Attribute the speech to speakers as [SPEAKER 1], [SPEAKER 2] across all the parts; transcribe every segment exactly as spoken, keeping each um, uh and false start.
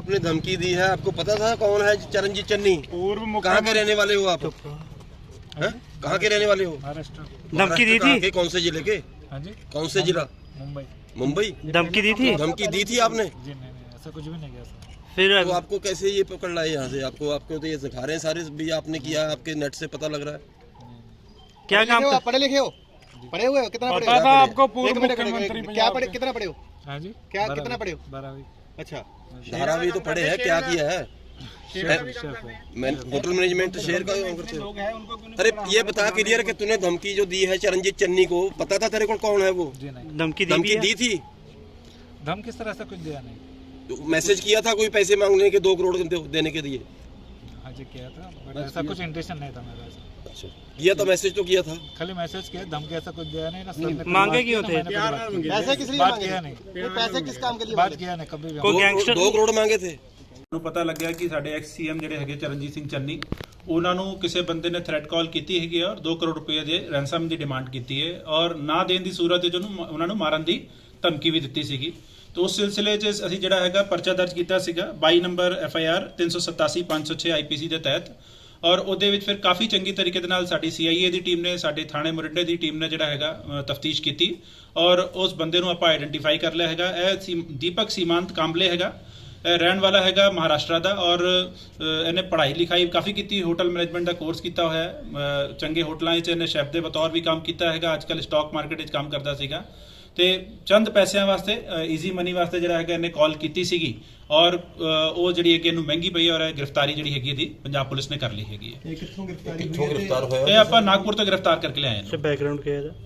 [SPEAKER 1] आपने धमकी दी है, आपको पता था कौन है चरणजीत चन्नी?
[SPEAKER 2] पूर्व
[SPEAKER 1] कहाँ के रहने वाले हो आप? हैं? कहाँ के रहने वाले हो?
[SPEAKER 2] महाराष्ट्र।
[SPEAKER 3] धमकी दी
[SPEAKER 1] कहाँ
[SPEAKER 3] थी?
[SPEAKER 1] के? कौन से जिले के?
[SPEAKER 2] हाँ जी,
[SPEAKER 1] कौन से जिला?
[SPEAKER 2] मुंबई।
[SPEAKER 1] मुंबई।
[SPEAKER 3] धमकी दी थी?
[SPEAKER 1] धमकी दी थी आपने?
[SPEAKER 2] जी नहीं नहीं, ऐसा कुछ भी नहीं किया सर।
[SPEAKER 3] फिर
[SPEAKER 1] तो आपको कैसे ये पकड़ लाए यहाँ से? आपको आपको तो ये सिखा रहे हैं सारे भी आपने किया है, आपके नेट से पता लग रहा है।
[SPEAKER 3] क्या काम
[SPEAKER 4] हो
[SPEAKER 3] कर...
[SPEAKER 4] आप पढ़े लिखे हो? पढ़े हुए हो? कितना पढ़े
[SPEAKER 2] पता
[SPEAKER 4] हो?
[SPEAKER 2] था आपको
[SPEAKER 4] एक
[SPEAKER 2] पूर्व
[SPEAKER 4] मिनट, एक
[SPEAKER 2] मुख्यमंत्री
[SPEAKER 4] मिनट, क्या
[SPEAKER 2] पंजाब
[SPEAKER 4] पढ़े,
[SPEAKER 2] के।
[SPEAKER 4] कितना पढ़े हो?
[SPEAKER 2] हाँ जी,
[SPEAKER 4] क्या
[SPEAKER 2] बारहवीं-
[SPEAKER 4] कितना पढ़े हो?
[SPEAKER 2] बारहवीं।
[SPEAKER 4] अच्छा,
[SPEAKER 1] धारावी तो पढ़े हैं, क्या किया है?
[SPEAKER 2] शेफ- शेफ है।
[SPEAKER 1] मैं होटल मैनेजमेंट शेयर का काम करते हो? अरे ये बता क्लियर कि तूने धमकी जो दी है चरणजीत चन्नी को, पता था तेरे को कौन है वो?
[SPEAKER 2] जी नहीं,
[SPEAKER 3] धमकी दी भी
[SPEAKER 1] धमकी
[SPEAKER 3] है?
[SPEAKER 1] दी थी?
[SPEAKER 2] धम किस तरह से कुछ दिया नहीं।
[SPEAKER 1] तो मैसेज किया था कोई पैसे मांगने के, दो करोड़ दे- देने के दिए?
[SPEAKER 2] हाँ जी किया था, बट ऐसा कुछ इंटेंशन नहीं था मेरा ऐसा।
[SPEAKER 1] अच्छा, किया था, मैसेज तो किया था।
[SPEAKER 2] खाली मैसेज किया, धमकी ऐसा कुछ दिया नहीं ना सर ने।
[SPEAKER 3] मांगे क्यों थे?
[SPEAKER 4] पैसे किस लिए
[SPEAKER 2] बात
[SPEAKER 4] मांगे?
[SPEAKER 2] किया नहीं,
[SPEAKER 4] ये पैसे किस काम के लिए
[SPEAKER 2] बात
[SPEAKER 4] मांगे?
[SPEAKER 2] किया नहीं कभी भी।
[SPEAKER 3] कोई
[SPEAKER 1] दो
[SPEAKER 3] गैंगस्टर
[SPEAKER 1] दो करोड़ मांगे थे।
[SPEAKER 5] ਨੂੰ ਪਤਾ ਲੱਗਿਆ ਕਿ ਸਾਡੇ ਐਕਸ ਸੀਐਮ ਜਿਹੜੇ ਹੈਗੇ ਚਰਨਜੀਤ ਸਿੰਘ ਚੰਨੀ ਉਹਨਾਂ ਨੂੰ ਕਿਸੇ ਬੰਦੇ ਨੇ ਥ੍ਰੈਟ ਕਾਲ ਕੀਤੀ ਹੈਗੀ ਔਰ ਦੋ ਕਰੋੜ ਰੁਪਏ ਦੇ ਰੈਂਸਮ ਦੀ ਡਿਮਾਂਡ ਕੀਤੀ ਹੈ ਔਰ ਨਾ ਦੇਣ ਦੀ ਸੂਰਤ ਵਿੱਚ ਉਹਨੂੰ ਉਹਨਾਂ ਨੂੰ ਮਾਰਨ ਦੀ ਧਮਕੀ ਵੀ ਦਿੱਤੀ ਸੀਗੀ। तो उस सिलसिले 'ਚ ਅਸੀਂ ਜਿਹੜਾ ਹੈਗਾ ਪਰਚਾ ਦਰਜ ਕੀਤਾ ਸੀਗਾ ਬਾਈ ਨੰਬਰ ਐਫ ਆਈ ਆਰ ਤਿੰਨ ਸੌ ਸਤਾਸੀ ਪੰਜ ਸੌ ਛੇ ਆਈ ਪੀ ਸੀ ਦੇ ਤਹਿਤ ਔਰ ਉਹਦੇ ਵਿੱਚ ਫਿਰ ਕਾਫੀ ਚੰਗੀ ਤਰੀਕੇ ਦੇ ਨਾਲ ਸਾਡੀ ਸੀ ਆਈ ਏ ਦੀ ਟੀਮ ਨੇ ਸਾਡੇ ਥਾਣੇ ਮੁਰਿੰਡੇ ਦੀ ਟੀਮ ਨੇ ਜਿਹੜਾ ਹੈਗਾ ਤਫਤੀਸ਼ ਕੀਤੀ ਔਰ ਉਸ ਬੰਦੇ ਨੂੰ ਆਪਾਂ ਆਈਡੈਂਟੀਫਾਈ ਕਰ ਲਿਆ ਹੈਗਾ। ਇਹ ਦੀਪਕ ਸੀਮਾਂਤ ਕਾਂਬਲੇ ਹੈਗਾ, ਰਹਿਣ ਵਾਲਾ ਹੈਗਾ ਮਹਾਰਾਸ਼ਟਰ ਦਾ ਔਰ ਇਹਨੇ ਪੜ੍ਹਾਈ ਲਿਖਾਈ ਕਾਫੀ ਕੀਤੀ, ਹੋਟਲ ਮੈਨੇਜਮੈਂਟ ਦਾ ਕੋਰਸ ਕੀਤਾ ਹੋਇਆ ਹੈ, ਚੰਗੇ ਹੋਟਲਾਂ 'ਚ ਇਹਨੇ ਸ਼ੈਫ ਦੇ ਬਤੌਰ ਵੀ ਕੰਮ ਕੀਤਾ ਹੈਗਾ, ਅੱਜ ਕੱਲ੍ਹ ਸਟਾਕ ਮਾਰਕੀਟ 'ਚ ਕੰਮ ਕਰਦਾ ਸੀਗਾ ਤੇ ਚੰਦ ਪੈਸਿਆਂ ਵਾਸਤੇ ਈਜ਼ੀ ਮਨੀ ਵਾਸਤੇ ਜਿਹੜਾ ਹੈਗਾ ਇਹਨੇ ਕਾਲ ਕੀਤੀ ਸੀਗੀ ਔਰ ਉਹ ਜਿਹੜੀ ਹੈ ਕਿ ਇਹਨੂੰ ਮਹਿੰਗੀ ਪਈ ਔਰ ਗ੍ਰਿਫਤਾਰੀ ਜਿਹੜੀ ਹੈਗੀ ਇਹਦੀ ਪੰਜਾਬ ਪੁਲਿਸ ਨੇ ਕਰ ਲਈ ਹੈਗੀ ਹੈ।
[SPEAKER 4] ਇਹ ਕਿੱਥੋਂ ਗ੍ਰਿਫਤਾਰੀ
[SPEAKER 1] ਕਿੱਥੋਂ
[SPEAKER 4] ਹੋਈ ਹੈ?
[SPEAKER 1] ਗ੍ਰਿਫਤਾਰ ਹੋਇਆ?
[SPEAKER 5] ਇਹ ਆਪਾਂ ਨਾਗਪੁਰ ਤੋਂ ਗ੍ਰਿਫਤਾਰ ਕਰਕੇ ਲਿਆਏ
[SPEAKER 3] ਅੱਛਾ,
[SPEAKER 5] ਨੇ।
[SPEAKER 3] ਬੈਕਗ੍ਰਾਉਂਡ ਕੀ ਹੈ ਇਹਦਾ?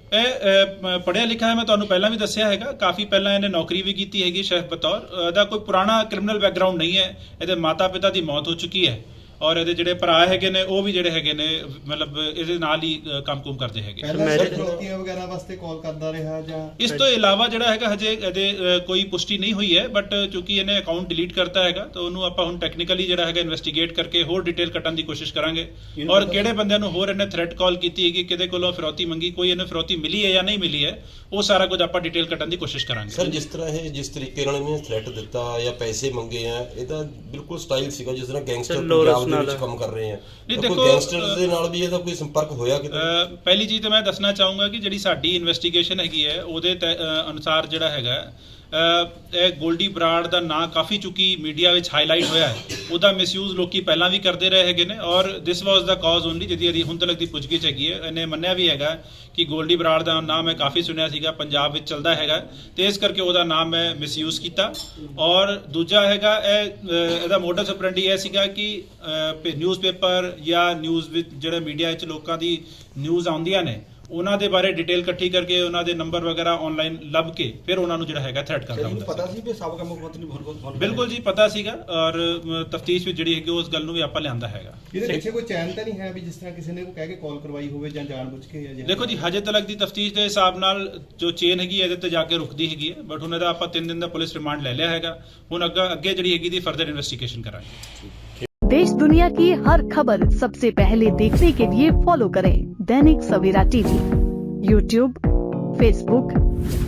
[SPEAKER 5] ਇਹ ਪੜ੍ਹਿਆ ਲਿਖਿਆ ਹੈ, ਮੈਂ ਤੁਹਾਨੂੰ ਪਹਿਲਾਂ ਵੀ ਦੱਸਿਆ ਹੈਗਾ, ਕਾਫੀ ਪਹਿਲਾਂ ਇਹਨੇ ਨੌਕਰੀ ਵੀ ਕੀਤੀ ਹੈਗੀ ਸ਼ੈਫ ਬਤੌਰ। ਇਹਦਾ ਕੋਈ ਪੁਰਾਣਾ ਕ੍ਰਿਮੀਨਲ ਬੈਕਗ੍ਰਾਉਂਡ ਨਹੀਂ ਹੈ, ਇਹਦੇ ਮਾਤਾ ਪਿਤਾ ਦੀ ਮੌਤ ਹੋ ਚੁੱਕੀ ਹੈ ਔਰ ਇਹਦੇ ਜਿਹੜੇ ਭਰਾ ਹੈਗੇ ਨੇ ਉਹ ਵੀ ਜਿਹੜੇ ਹੈਗੇ ਨੇ ਮਤਲਬ ਇਹਦੇ ਨਾਲ ਹੀ ਕੰਮ ਕੁਮ ਕਰਦੇ ਹੈਗੇ।
[SPEAKER 4] ਪਹਿਲਾਂ ਫਿਰੌਤੀਆਂ ਵਗੈਰਾ ਵਾਸਤੇ ਕਾਲ ਕਰਦਾ ਰਿਹਾ ਜਾਂ
[SPEAKER 5] ਇਸ ਤੋਂ ਇਲਾਵਾ ਜਿਹੜਾ ਹੈਗਾ ਹਜੇ ਇਹਦੇ ਕੋਈ ਪੁਸ਼ਟੀ ਨਹੀਂ ਹੋਈ ਹੈ, ਬਟ ਕਿਉਂਕਿ ਇਹਨੇ ਅਕਾਊਂਟ ਡਿਲੀਟ ਕਰਤਾ ਹੈਗਾ ਤਾਂ ਉਹਨੂੰ ਆਪਾਂ ਹੁਣ ਟੈਕਨੀਕਲੀ ਜਿਹੜਾ ਹੈਗਾ ਇਨਵੈਸਟੀਗੇਟ ਕਰਕੇ ਹੋਰ ਡਿਟੇਲ ਕੱਢਣ ਦੀ ਕੋਸ਼ਿਸ਼ ਕਰਾਂਗੇ ਔਰ ਕਿਹੜੇ ਬੰਦਿਆਂ ਨੂੰ ਹੋਰ ਇਹਨੇ ਥ੍ਰੈਟ ਕਾਲ ਕੀਤੀ ਹੈਗੀ, ਕਿਹਦੇ ਕੋਲੋਂ ਫਿਰੌਤੀ ਮੰਗੀ, ਕੋਈ ਇਹਨੇ ਫਿਰੌਤੀ ਮਿਲੀ ਹੈ ਜਾਂ ਨਹੀਂ ਮਿਲੀ ਹੈ, ਉਹ ਸਾਰਾ ਕੁਝ ਆਪਾਂ ਡਿਟੇਲ ਕੱਢਣ ਦੀ ਕੋਸ਼ਿਸ਼ ਕਰਾਂਗੇ।
[SPEAKER 1] ਸਰ ਜਿਸ ਤਰ੍ਹਾਂ ਇਹ ਜਿਸ ਤਰੀਕੇ ਨਾਲ ਇਹਨੇ ਥ੍ਰੈਟ ਦਿੱਤਾ ਜਾਂ ਪੈਸੇ ਮੰਗੇ ਆ, ਇਹਦਾ ਬਿਲਕੁਲ ਸਟਾਈਲ ਸੀਗਾ ਜਿਸ ਤਰ੍ਹਾਂ ਗੈਂਗਸਟਰ ਪੰਜਾਬ ਦੇ ਵਿੱਚ ਕੰਮ ਕਰ ਰਹੇ ਆ।
[SPEAKER 5] ਨਹੀਂ
[SPEAKER 1] ਕੋਈ
[SPEAKER 5] ਦੇਖੋ,
[SPEAKER 1] ਗੈਂਗਸਟਰ ਦੇ ਨਾਲ ਵੀ ਇਹਦਾ ਕੋਈ ਸੰਪਰਕ ਹੋਇਆ ਕਿਤੇ?
[SPEAKER 5] ਅਹ ਪਹਿਲੀ ਚੀਜ਼ ਤਾਂ ਮੈਂ ਦੱਸਣਾ ਚਾਹੂੰਗਾ ਕਿ ਜਿਹੜੀ ਸਾਡੀ ਇਨਵੈਸਟੀਗੇਸ਼ਨ ਹੈਗੀ ਹੈ ਉਹਦੇ ਤਹਿ- ਅਹ ਅਨੁਸਾਰ ਜਿਹੜਾ ਹੈਗਾ ਅਹ ਇਹ ਗੋਲਡੀ ਬਰਾੜ ਦਾ ਨਾਂ ਕਾਫੀ ਚੁੱਕੀ ਮੀਡੀਆ ਵਿੱਚ ਹਾਈਲਾਈਟ ਹੋਇਆ ਹੈ, ਉਹਦਾ ਮਿਸਯੂਜ਼ ਲੋਕੀ ਪਹਿਲਾਂ ਵੀ ਕਰਦੇ ਰਹੇ ਹੈਗੇ ਨੇ ਔਰ ਦਿਸ ਵਾਸ ਦਾ ਕਾਜ਼ ਓਨਲੀ ਜਿਹਦੀ ਇਹਦੀ ਹੁਣ ਤੱਕ ਦੀ ਪੁੱਛਗਿੱਛ ਹੈਗੀ ਹੈ। ਇਹਨੇ ਮੰਨਿਆ ਵੀ ਹੈਗਾ ਕਿ ਗੋਲਡੀ ਬਰਾੜ ਦਾ ਨਾਮ ਮੈਂ ਕਾਫੀ ਸੁਣਿਆ ਸੀਗਾ, ਪੰਜਾਬ ਵਿੱਚ ਚੱਲਦਾ ਹੈਗਾ ਤੇ ਇਸ ਕਰਕੇ ਉਹਦਾ ਨਾਮ ਮੈਂ ਮਿਸਯੂਜ਼ ਕੀਤਾ। ਔਰ ਦੂਜਾ ਹੈਗਾ ਇਹ ਇਹਦਾ ਮੋਡਸ ਆਪਰੈਂਡੀ ਇਹ ਸੀਗਾ ਕਿ ਨਿਊਜ਼ਪੇਪਰ ਜਾਂ ਨਿਊਜ਼ ਵਿੱਚ ਜਿਹੜੇ ਮੀਡੀਆ ਵਿੱਚ ਲੋਕਾਂ ਦੀ ਨਿਊਜ਼ ਆਉਂਦੀਆਂ ਨੇ ਉਹਨਾਂ ਦੇ ਬਾਰੇ ਡਿਟੇਲ ਇਕੱਠੀ ਕਰਕੇ ਉਹਨਾਂ ਦੇ ਨੰਬਰ ਵਗੈਰਾ ਆਨਲਾਈਨ ਲੱਭ ਕੇ ਫਿਰ ਉਹਨਾਂ ਨੂੰ ਜਿਹੜਾ ਹੈਗਾ ਥ੍ਰੈਟ ਕਰਦਾ ਹੁੰਦਾ
[SPEAKER 4] ਪਤਾ ਸੀ ਕਿ ਸਾਬਕਾ ਮੁੱਖ ਮੰਤਰੀ ਬਹੁਤ
[SPEAKER 5] ਬਿਲਕੁਲ ਜੀ ਪਤਾ ਸੀਗਾ ਔਰ ਤਫਤੀਸ਼ ਵਿੱਚ ਜਿਹੜੀ ਹੈਗੀ ਉਸ ਗੱਲ ਨੂੰ ਵੀ ਆਪਾਂ ਲਿਆਂਦਾ ਹੈਗਾ।
[SPEAKER 4] ਇਹਦੇ ਪਿੱਛੇ ਕੋਈ ਚੈਨ ਤਾਂ ਨਹੀਂ ਹੈ ਵੀ ਜਿਸ ਤਰ੍ਹਾਂ ਕਿਸੇ ਨੇ ਕਹਿ ਕੇ ਕਾਲ ਕਰਵਾਈ ਹੋਵੇ ਜਾਂ ਜਾਣਬੁੱਝ ਕੇ ਜਾਂ
[SPEAKER 5] ਦੇਖੋ ਜੀ ਹਜੇ ਤੱਕ ਦੀ ਤਫਤੀਸ਼ ਦੇ ਹਿਸਾਬ ਨਾਲ ਜੋ ਚੇਨ ਹੈਗੀ ਇਹਦੇ ਤੇ ਜਾ ਕੇ ਰੁਕਦੀ ਹੈਗੀ ਹੈ, ਬਟ ਹੁਣ ਇਹਦਾ ਆਪਾਂ ਤਿੰਨ ਦਿਨ ਦਾ ਪੁਲਿਸ ਰਿਮਾਂਡ ਲੈ ਲਿਆ ਹੈਗਾ, ਹੁਣ ਅੱਗੇ ਅੱਗੇ ਜਿਹੜੀ ਹੈਗੀ ਦੀ ਫਰਦਰ ਇਨਵੈਸਟੀਗੇਸ਼ਨ ਕਰਾਂਗੇ।
[SPEAKER 6] देश दुनिया की हर खबर सबसे पहले देखने के लिए फॉलो करें Dainik Savera TV, YouTube, Facebook,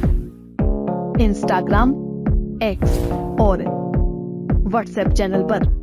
[SPEAKER 6] Instagram, X और व्हाट्सएप चैनल पर।